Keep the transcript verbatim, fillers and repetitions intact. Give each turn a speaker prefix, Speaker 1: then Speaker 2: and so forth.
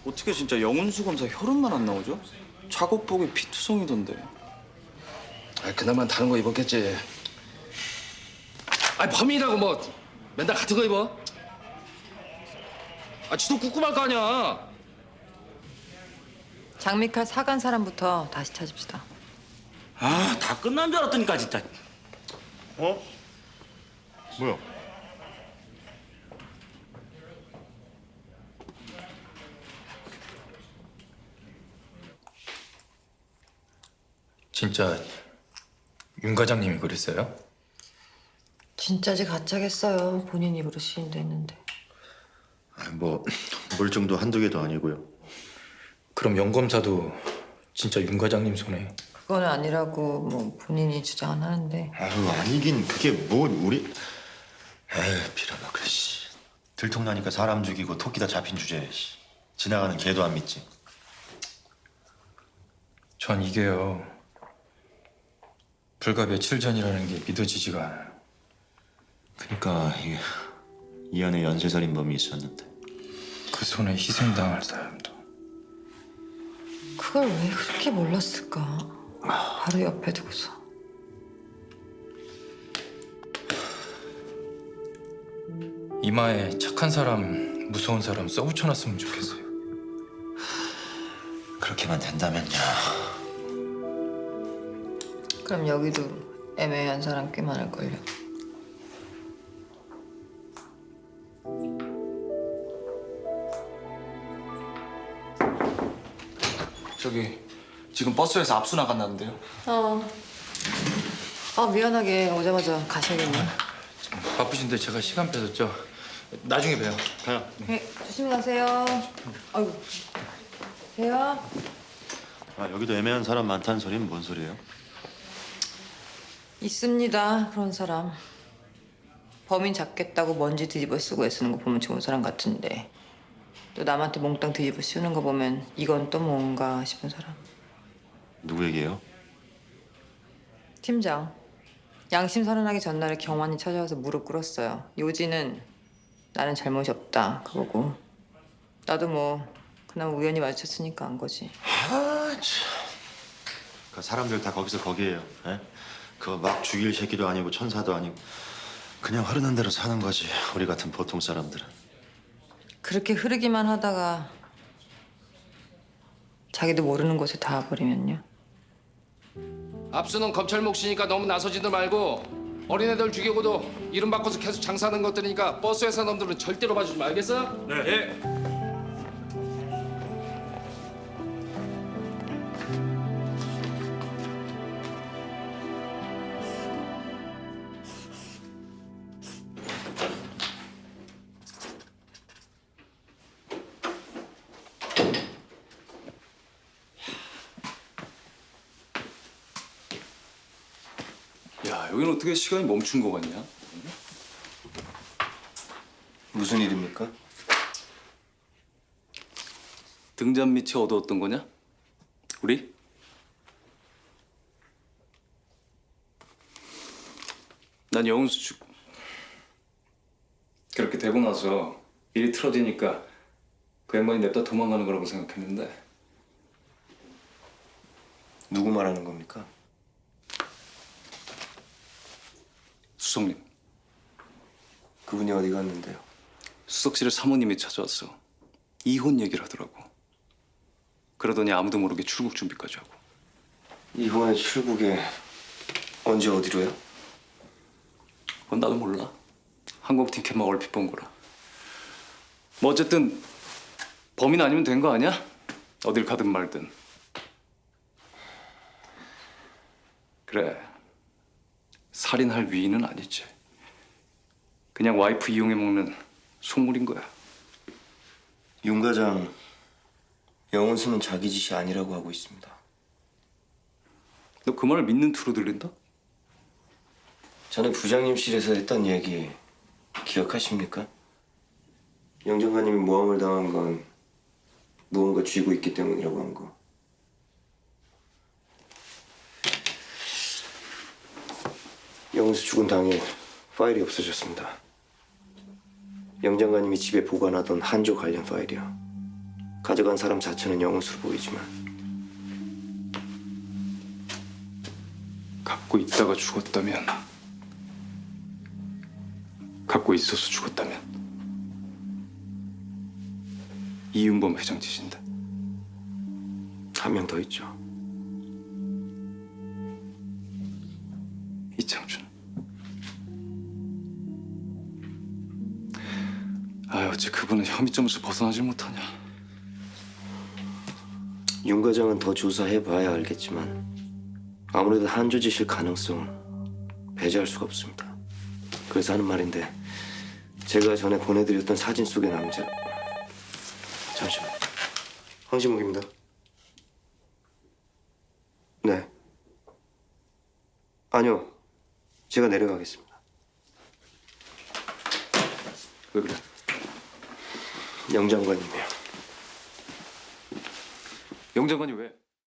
Speaker 1: 어떻게 진짜 영훈수 검사 혈흔만 안 나오죠? 작업복에 피투성이던데.
Speaker 2: 아, 그나마 다른 거 입었겠지. 아니 범인이라고 뭐 맨날 같은 거 입어? 아, 지도 꿉꿉할 거 아니야.
Speaker 3: 장미칼 사간 사람부터 다시 찾읍시다.
Speaker 4: 아, 다 끝난 줄 알았더니까 진짜.
Speaker 5: 어? 뭐야?
Speaker 6: 진짜 윤 과장님이 그랬어요?
Speaker 3: 진짜지 가짜겠어요. 본인 입으로 시인도 했는데.
Speaker 5: 뭐 물증도 한두 개도 아니고요.
Speaker 6: 그럼 영 검사도 진짜 윤 과장님 손에.
Speaker 3: 그건 아니라고 뭐 본인이 주장은 하는데.
Speaker 5: 아유 아니긴 그게 뭐 우리 에이 빌어먹을 씨 들통나니까 사람 죽이고 토끼다 잡힌 주제에 씨. 지나가는 개도 안 믿지.
Speaker 6: 전 이게요. 불과 며칠 전이라는 게 믿어지지가 않아요.
Speaker 5: 그러니까 이게 이 안에 연쇄살인범이 있었는데
Speaker 6: 그 손에 희생당할 사람도.
Speaker 3: 그걸 왜 그렇게 몰랐을까? 바로 옆에 두고서.
Speaker 6: 이마에 착한 사람, 무서운 사람 써붙여놨으면 좋겠어요.
Speaker 5: 그렇게만 된다면요.
Speaker 3: 그럼 여기도 애매한 사람 꽤 많을걸요.
Speaker 1: 저기 지금 버스에서 압수 나간다는데요.
Speaker 3: 어. 아 미안하게 오자마자 가셔야겠네.
Speaker 6: 바쁘신데 제가 시간 뺏었죠? 나중에 봬요.
Speaker 5: 가요.
Speaker 3: 네, 조심히 가세요. 아이고. 가세요.
Speaker 5: 아 여기도 애매한 사람 많다는 소리는 뭔 소리예요?
Speaker 3: 있습니다. 그런 사람. 범인 잡겠다고 먼지 뒤집어 쓰고 애쓰는 거 보면 좋은 사람 같은데 또 남한테 몽땅 뒤집어 씌우는 거 보면 이건 또 뭔가 싶은 사람.
Speaker 5: 누구 얘기예요?
Speaker 3: 팀장. 양심 선언하기 전날에 경환이 찾아와서 무릎 꿇었어요. 요지는 나는 잘못이 없다 그거고 나도 뭐 그나마 우연히 마주쳤으니까 안 거지.
Speaker 5: 아 참. 그 사람들 다 거기서 거기에요. 에? 그거 막 죽일 새끼도 아니고 천사도 아니고 그냥 흐르는 대로 사는 거지. 우리 같은 보통 사람들은.
Speaker 3: 그렇게 흐르기만 하다가 자기도 모르는 곳에 닿아버리면요.
Speaker 2: 압수는 검찰 몫이니까 너무 나서지들 말고 어린애들 죽이고도 이름 바꿔서 계속 장사하는 것들이니까 버스 회사 놈들은 절대로 봐주지 말겠어?
Speaker 4: 네. 예.
Speaker 1: 야, 여기는 어떻게 시간이 멈춘 거 같냐?
Speaker 7: 무슨 일입니까?
Speaker 1: 등잔 밑에 얻어왔던 거냐? 우리? 난 영훈수 죽 그렇게 되고 나서 일이 틀어지니까 그 양반이 냅다 도망가는 거라고 생각했는데
Speaker 7: 누구 말하는 겁니까?
Speaker 1: 수석님,
Speaker 7: 그분이 어디 갔는데요?
Speaker 1: 수석실에 사모님이 찾아왔어. 이혼 얘기를 하더라고. 그러더니 아무도 모르게 출국 준비까지 하고.
Speaker 7: 이번에 출국에 언제 어디로요?
Speaker 1: 그건 나도 몰라. 항공 티켓만 얼핏 본 거라. 뭐 어쨌든 범인 아니면 된 거 아니야? 어딜 가든 말든. 그래. 살인할 위인은 아니지. 그냥 와이프 이용해 먹는 속물인 거야.
Speaker 7: 윤 과장, 영훈수는 자기 짓이 아니라고 하고 있습니다.
Speaker 1: 너 그 말을 믿는 투로 들린다?
Speaker 7: 전에 부장님실에서 했던 얘기 기억하십니까? 영장관님이 모함을 당한 건 무언가 쥐고 있기 때문이라고 한 거. 영훈수 죽은 당일 파일이 없어졌습니다. 영장관님이 집에 보관하던 한조 관련 파일이요. 가져간 사람 자체는 영웅수로 보이지만
Speaker 1: 갖고 있다가 죽었다면, 갖고 있어서 죽었다면 이윤범 회장 짓인다.
Speaker 7: 한 명 더 있죠.
Speaker 1: 이창준. 아, 어째 그분은 혐의점에서 벗어나질 못하냐.
Speaker 7: 윤 과장은 더 조사해봐야 알겠지만 아무래도 한조짓일 가능성은 배제할 수가 없습니다. 그래서 하는 말인데 제가 전에 보내드렸던 사진 속의 남자 잠시만 황시묵입니다. 네. 아니요. 제가 내려가겠습니다.
Speaker 1: 왜 그래?
Speaker 7: 영 장관님이요.
Speaker 1: 영 장관이 왜?